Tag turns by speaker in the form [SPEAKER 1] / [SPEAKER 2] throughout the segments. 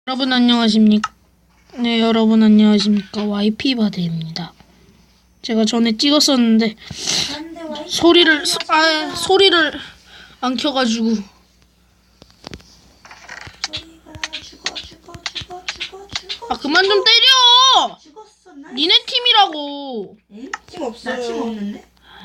[SPEAKER 1] 여러분 안녕하십니까? 네, 여러분 안녕하십니까? YP바드입니다. 제가 전에 찍었었는데 소리를 안 켜가지고 그만 좀 때려!
[SPEAKER 2] 죽었어.
[SPEAKER 1] 니네 팀이라고.
[SPEAKER 2] 응? 팀 없어요. 나 팀 없는데?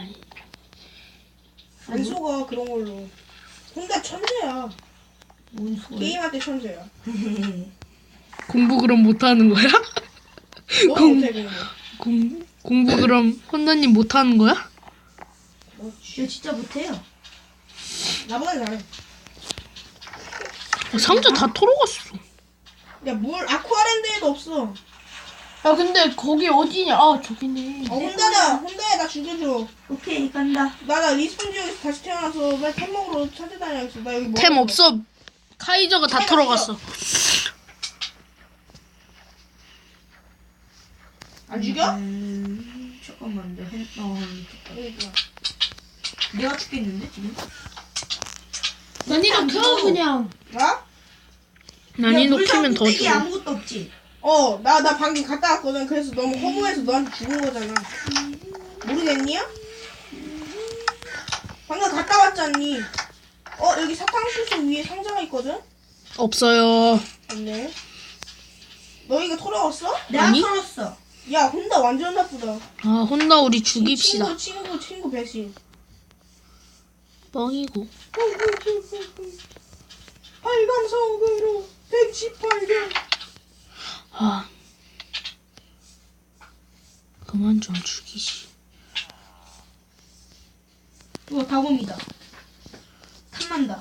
[SPEAKER 3] 안 속아 그런 걸로. 혼자 천재야.
[SPEAKER 2] 뭔 소리?
[SPEAKER 3] 게임할 때 천재야.
[SPEAKER 1] 공부 그럼 못하는 거야?
[SPEAKER 3] 너 못해 그런 거.
[SPEAKER 1] 공부 그럼 혼자님 못하는 거야?
[SPEAKER 2] 저 진짜 못해요.
[SPEAKER 3] 나보다 잘해.
[SPEAKER 1] 상자 다 털어갔어.
[SPEAKER 3] 야 물 아쿠아랜드에도 없어.
[SPEAKER 4] 야 근데 거기 어디냐? 아 저기네.
[SPEAKER 3] 혼자야 나 죽여줘.
[SPEAKER 2] 오케이 간다.
[SPEAKER 3] 나 리스폰 지역에서 다시 태어나서 나 템 먹으러 찾아다녀야겠어. 나 여기
[SPEAKER 1] 템 없어. 카이저가 다
[SPEAKER 3] 템
[SPEAKER 1] 털어갔어.
[SPEAKER 3] 안 죽여?
[SPEAKER 2] 잠깐만 내
[SPEAKER 3] 여기 있구나.
[SPEAKER 2] 내가 죽겠는데 지금?
[SPEAKER 4] 난이도 켜 그냥.
[SPEAKER 3] 나?
[SPEAKER 1] 난이도 키면 더
[SPEAKER 2] 이게
[SPEAKER 1] 좋아.
[SPEAKER 2] 아무것도 없지.
[SPEAKER 3] 나 방금 갔다 왔거든. 그래서 너무 허무해서 너한테 죽은 거잖아. 모르겠니야? 방금 갔다 왔잖니. 여기 사탕수수 위에 상자가 있거든?
[SPEAKER 1] 없어요.
[SPEAKER 3] 없네. 너 이거 털어왔어?
[SPEAKER 2] 내가
[SPEAKER 1] 아니?
[SPEAKER 2] 털었어.
[SPEAKER 3] 야, 혼자 완전 나쁘다.
[SPEAKER 1] 아 혼나 우리 죽입시다.
[SPEAKER 3] 친구 배신.
[SPEAKER 1] 뻥이고.
[SPEAKER 3] 빨간 성으로 118개.
[SPEAKER 1] 아 그만 좀 죽이시.
[SPEAKER 2] 이거 다곰이다. 탐난다.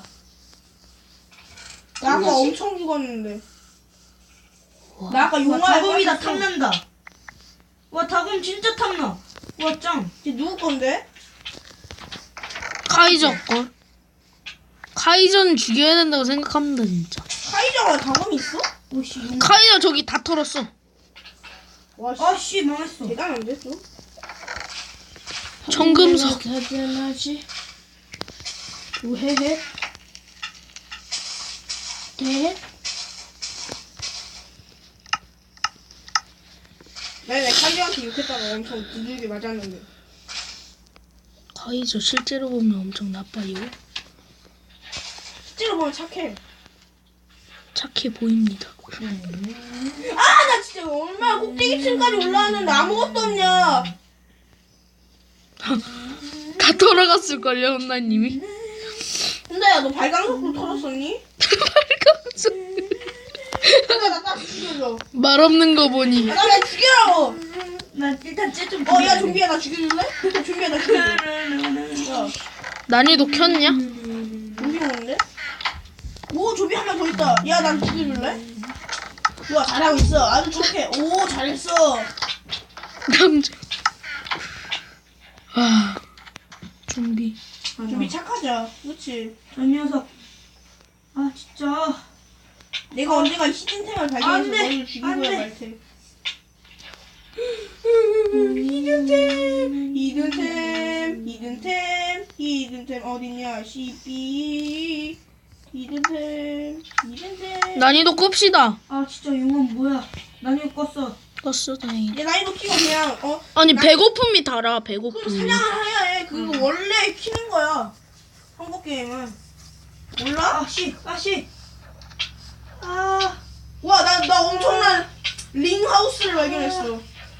[SPEAKER 3] 나 아까 엄청 죽었는데.
[SPEAKER 1] 와.
[SPEAKER 3] 나 아까
[SPEAKER 2] 와
[SPEAKER 3] 용화에
[SPEAKER 2] 다곰이다.
[SPEAKER 3] 빠졌어.
[SPEAKER 2] 탐난다. 와 다곰 진짜 탐나. 와 짱.
[SPEAKER 3] 이게 누구 건데?
[SPEAKER 1] 카이저 걸. 카이저는 죽여야 된다고 생각합니다 진짜.
[SPEAKER 3] 카이저가 다검이 있어?
[SPEAKER 2] 오씨.
[SPEAKER 1] 카이저 저기 다 털었어.
[SPEAKER 3] 와, 씨.
[SPEAKER 2] 아씨 망했어.
[SPEAKER 3] 대단한데, 또?
[SPEAKER 1] 청금석.
[SPEAKER 4] 대단하지. 우헤헤. 대.
[SPEAKER 3] 내 카이저한테 욕했다가 엄청 두들겨 맞았는데.
[SPEAKER 1] 카이저 실제로 보면 엄청 나빠요.
[SPEAKER 3] 실제로 보면 착해.
[SPEAKER 1] 착해 보입니다.
[SPEAKER 3] 나 진짜 얼마나 꼭대기층까지 올라왔는데 아무것도 없냐.
[SPEAKER 1] 다 털어갔을걸요 혼나님이.
[SPEAKER 3] 혼자야, 너 발광석으로 털었었니? 혼자 나 죽여줘.
[SPEAKER 1] 말 없는 거 보니.
[SPEAKER 3] 나 왜 죽이라고!
[SPEAKER 2] 나 일단 쟤좀
[SPEAKER 3] 야, 좀비야, 나 죽여줄래? 좀비야, 나 죽여줘. 야,
[SPEAKER 1] 난이도 켰냐?
[SPEAKER 3] 좀비 오는데? 오, 좀비 한 명 더 있다. 야, 난 죽여줄래? 좋아, 잘하고 있어. 아주 좋게. 오, 잘했어.
[SPEAKER 1] 남자. 아 좀비.
[SPEAKER 3] 좀비 착하자. 그치?
[SPEAKER 2] 저 녀석. 아 진짜.
[SPEAKER 3] 내가 언젠가 히든템을
[SPEAKER 2] 안
[SPEAKER 3] 발견해서
[SPEAKER 2] 돼.
[SPEAKER 3] 너를 죽이고야
[SPEAKER 2] 안 돼.
[SPEAKER 3] 말 테. 히든템 어딨냐? CB 히든템
[SPEAKER 1] 난이도 끕시다.
[SPEAKER 2] 아 진짜 용암 뭐야? 난 이거 껐어.
[SPEAKER 1] 껐어 다행이다.
[SPEAKER 3] 내 나이도 키고 그냥
[SPEAKER 1] 아니 배고픔이 달아
[SPEAKER 3] 그럼
[SPEAKER 1] 배고픔이.
[SPEAKER 3] 사냥을 해야 해. 그거 원래 키는 거야. 한국 게임은 몰라?
[SPEAKER 2] 아씨 아씨. 아.
[SPEAKER 3] 와, 나 엄청난 링 하우스를 발견했어.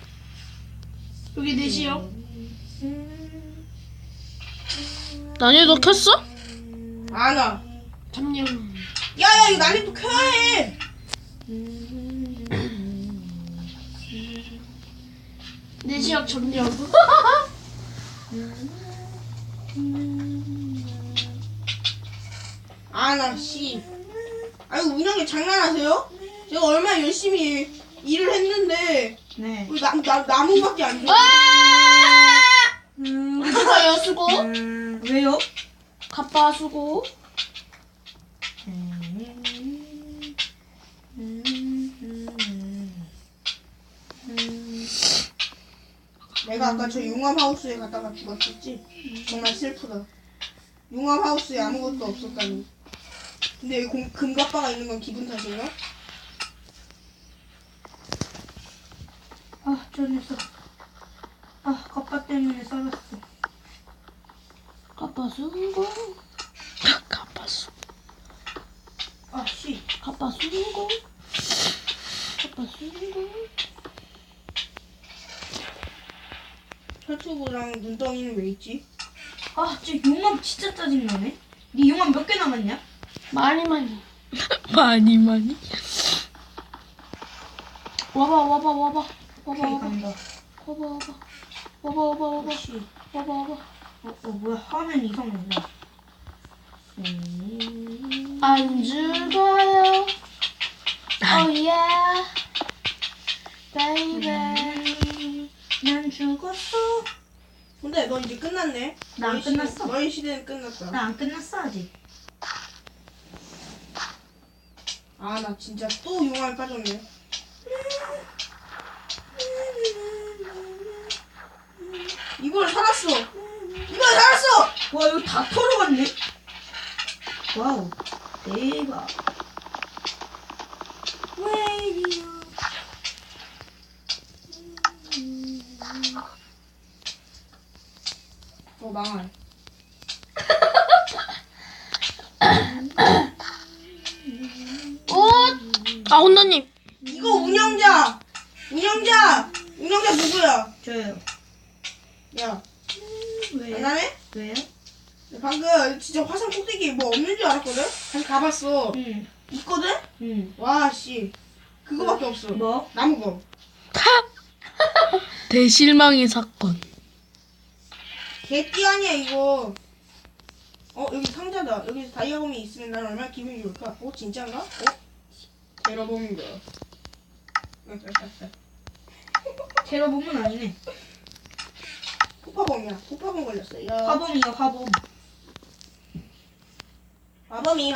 [SPEAKER 4] 여기 넷이요.
[SPEAKER 1] 난이도 켰어?
[SPEAKER 3] 아나.
[SPEAKER 4] 잠녕.
[SPEAKER 3] 야야, 이거 난이도 켜야 해.
[SPEAKER 4] 넷이요 점령.
[SPEAKER 3] 아나 씨. 아이고, 운영이 장난하세요? 제가 얼마나 열심히 일을 했는데
[SPEAKER 2] 네.
[SPEAKER 3] 왜 나무밖에 안 줘.
[SPEAKER 4] 수고요 수고.
[SPEAKER 2] 왜요?
[SPEAKER 4] 가빠 수고.
[SPEAKER 3] 내가 아까 저 용암 하우스에 갔다가 죽었었지. 정말 슬프다. 용암 하우스에 아무것도 없었다니. 근데 여기 금갑바가 있는 건 기분 탓인가?
[SPEAKER 2] 아, 저 녀석. 아, 갑바 때문에 썰었어.
[SPEAKER 4] 갑바 수고.
[SPEAKER 1] 가봤어.
[SPEAKER 2] 아, 씨.
[SPEAKER 4] 갑바 수고. 갑바 수고.
[SPEAKER 3] 철수구랑 눈덩이는 왜 있지?
[SPEAKER 2] 아, 저 용암 진짜 짜증나네. 네 용암 몇 개 남았냐?
[SPEAKER 4] 많이.
[SPEAKER 1] 많이.
[SPEAKER 4] 와봐. 와봐.
[SPEAKER 2] 오케이, 간다.
[SPEAKER 4] 와봐.
[SPEAKER 2] 씨.
[SPEAKER 4] 와봐.
[SPEAKER 2] 뭐야, 화면 이상해.
[SPEAKER 4] 안 죽어요. Oh yeah, baby.
[SPEAKER 2] 난 죽었어.
[SPEAKER 3] 근데 너 이제 끝났네.
[SPEAKER 2] 나안
[SPEAKER 3] 너희 시대-
[SPEAKER 2] 끝났어.
[SPEAKER 3] 너희 시대는 끝났다.
[SPEAKER 2] 나 안 끝났어, 아직.
[SPEAKER 3] 아, 나 진짜 또 용암에 빠졌네. 이걸 살았어.
[SPEAKER 2] 와, 이거 다 털어갔네. 와우, 대박. 웨이디오.
[SPEAKER 3] 망할.
[SPEAKER 1] 아 혼나님.
[SPEAKER 3] 이거 운영자 누구야?
[SPEAKER 2] 저요.
[SPEAKER 3] 야,
[SPEAKER 2] 왜요?
[SPEAKER 3] 장난해?
[SPEAKER 2] 왜요?
[SPEAKER 3] 방금 진짜 화산 꼭대기 뭐 없는 줄 알았거든? 다시 가봤어.
[SPEAKER 2] 응.
[SPEAKER 3] 있거든?
[SPEAKER 2] 응.
[SPEAKER 3] 와, 씨. 그거밖에 없어.
[SPEAKER 2] 뭐?
[SPEAKER 3] 나무검.
[SPEAKER 1] 대실망의 사건.
[SPEAKER 3] 개띠 아니야, 이거. 여기 상자다. 여기 다이아검이 있으면 난 얼마나 기분이 좋을까? 진짜인가? 테러범인가?
[SPEAKER 2] 테러범은 아니네.
[SPEAKER 3] 폭파범이야. 폭파범 걸렸어. 야.
[SPEAKER 2] 화범이요, 화범.
[SPEAKER 3] 마범이.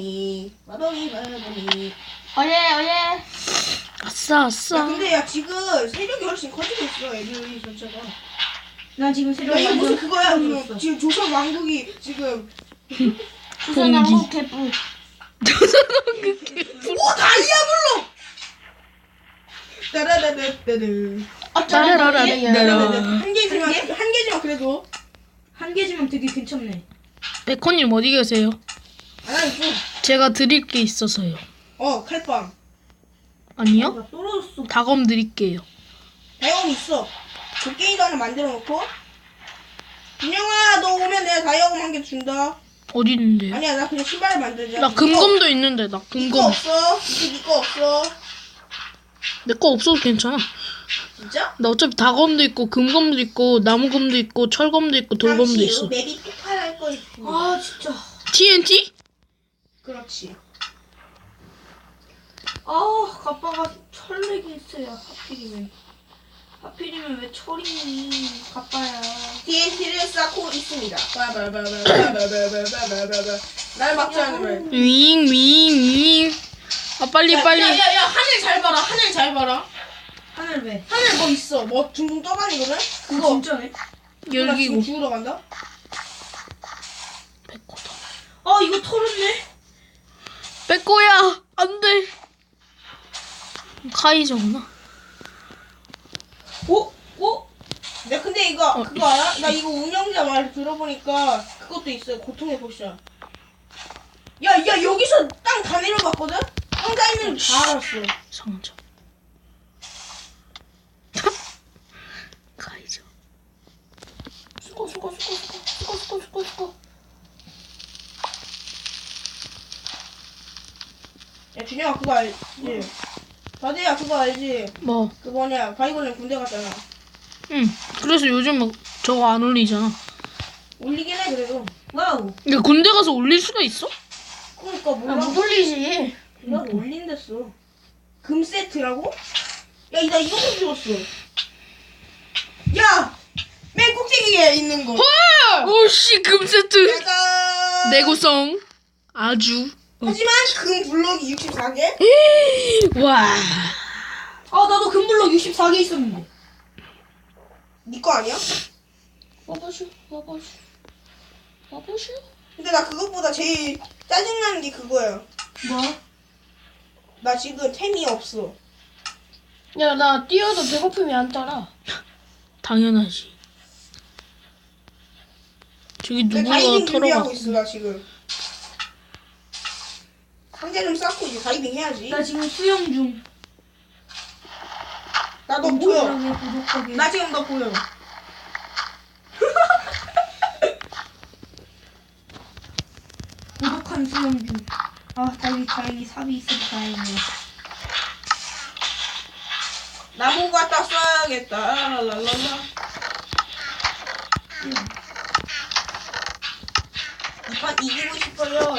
[SPEAKER 4] 어예.
[SPEAKER 1] 아싸.
[SPEAKER 3] 야, 근데 야, 지금 세력이 훨씬 커지고 있어, 애들이 전체가.
[SPEAKER 2] 난 지금 세력
[SPEAKER 3] 야, 이거 무슨
[SPEAKER 2] 완전
[SPEAKER 3] 그거야?
[SPEAKER 2] 커졌어.
[SPEAKER 3] 지금 조선 왕국이 지금.
[SPEAKER 4] 조선왕국 개뿔.
[SPEAKER 3] 오, 다이아블록! 따라다다다드. 한 개지만 그래도.
[SPEAKER 2] 한 개지만 되게 괜찮네.
[SPEAKER 1] 백호님 어디 계세요?
[SPEAKER 3] 아, 이거.
[SPEAKER 1] 제가 드릴 게 있어서요.
[SPEAKER 3] 칼빵.
[SPEAKER 1] 아니요?
[SPEAKER 2] 나 떨어졌어.
[SPEAKER 1] 다검 드릴게요.
[SPEAKER 3] 다이아검 있어. 도깨비도 하나 만들어 놓고. 준영아, 너 오면 내가 다이아검 한 개 준다.
[SPEAKER 1] 어디 있는데요?
[SPEAKER 3] 아니야, 나 그냥 신발을 만들자.
[SPEAKER 1] 나 금검도 있는데 나
[SPEAKER 3] 이거
[SPEAKER 1] 금검.
[SPEAKER 3] 없어. 이제 니거 없어.
[SPEAKER 1] 내 거 없어도 괜찮아.
[SPEAKER 3] 진짜?
[SPEAKER 1] 나 어차피 다검도 있고 금검도 있고 나무검도 있고 철검도 있고 돌검도
[SPEAKER 3] 당시
[SPEAKER 1] 있어.
[SPEAKER 3] 맵이 폭발할 거 있어.
[SPEAKER 2] 아, 진짜.
[SPEAKER 1] TNT?
[SPEAKER 3] 그렇지.
[SPEAKER 2] 아, 가빠가 철렉이 있어요. 하필이면 왜 철이니? 가빠야.
[SPEAKER 3] TNT를 쌓고 있습니다. 날 막지 않으면.
[SPEAKER 1] 윙. 아 빨리.
[SPEAKER 3] 야, 하늘 잘 봐라.
[SPEAKER 2] 하늘 왜?
[SPEAKER 3] 하늘 뭐 있어. 뭐 둥둥 떠다니거든?
[SPEAKER 2] 그거 진짜네.
[SPEAKER 3] 나
[SPEAKER 1] 열기고.
[SPEAKER 3] 지금 죽으러 간다?
[SPEAKER 1] 백호다.
[SPEAKER 2] 아, 이거 털었네.
[SPEAKER 1] 백호야 안돼. 카이저구나.
[SPEAKER 2] 오?
[SPEAKER 3] 야, 근데 이거 그거 알아? 나 이거 운영자 말 들어보니까 그것도 있어요. 고통의 포션. 야, 여기서 땅 다 내려봤거든? 상자 있는 거 다 알았어.
[SPEAKER 1] 상자. 카이저.
[SPEAKER 4] 수고.
[SPEAKER 3] 야, 준영아 그거 알지? 다대야 그거 알지?
[SPEAKER 1] 뭐?
[SPEAKER 3] 그 뭐냐, 바이블린 군대 갔잖아.
[SPEAKER 1] 응. 그래서 요즘 막 저거 안 올리잖아.
[SPEAKER 3] 올리긴 해, 그래도.
[SPEAKER 2] 와우.
[SPEAKER 1] 근데 군대 가서 올릴 수가 있어?
[SPEAKER 3] 그러니까 몰라.
[SPEAKER 4] 못 올리지.
[SPEAKER 3] 나 올린댔어. 금 세트라고? 야, 나 이거 좀 죽었어. 야! 맨 꼭대기에 있는 거.
[SPEAKER 1] 오씨 금세트.
[SPEAKER 3] 짜잔!
[SPEAKER 1] 내구성 아주.
[SPEAKER 3] 하지만 금 블럭이 64개?
[SPEAKER 1] 와.
[SPEAKER 2] 아, 나도 금블럭 64개 있었는데.
[SPEAKER 3] 네 거 아니야?
[SPEAKER 4] 와보슈.
[SPEAKER 3] 근데 나 그것보다 제일 짜증나는 게 그거야.
[SPEAKER 2] 뭐?
[SPEAKER 3] 나 지금 템이 없어.
[SPEAKER 4] 야, 나 뛰어도 배고픔이 안 따라.
[SPEAKER 1] 당연하지. 저기
[SPEAKER 3] 내
[SPEAKER 1] 누구가
[SPEAKER 3] 다이빙 준비하고
[SPEAKER 1] 털어갔어.
[SPEAKER 3] 있어 나 지금. 상자 좀 쌓고 이제 다이빙 해야지.
[SPEAKER 2] 나 지금 수영 중.
[SPEAKER 3] 나 너 보여.
[SPEAKER 2] 엄청나게 부족하게.
[SPEAKER 3] 나 지금 너 보여.
[SPEAKER 2] 고독한 수영 중. 아, 다행히 삽이 있어서 다행이야.
[SPEAKER 3] 나무 갖다 써야겠다. 랄랄랄라. 이판 이기고 싶어요.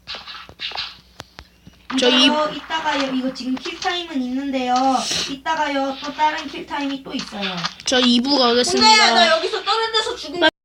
[SPEAKER 2] 이따가요. 이거 지금 킬타임은 있는데요. 이따가요. 또 다른 킬타임이 또 있어요.
[SPEAKER 1] 저 2부 가겠습니다.
[SPEAKER 3] 혼자야 나 여기서 떨어져서 죽으면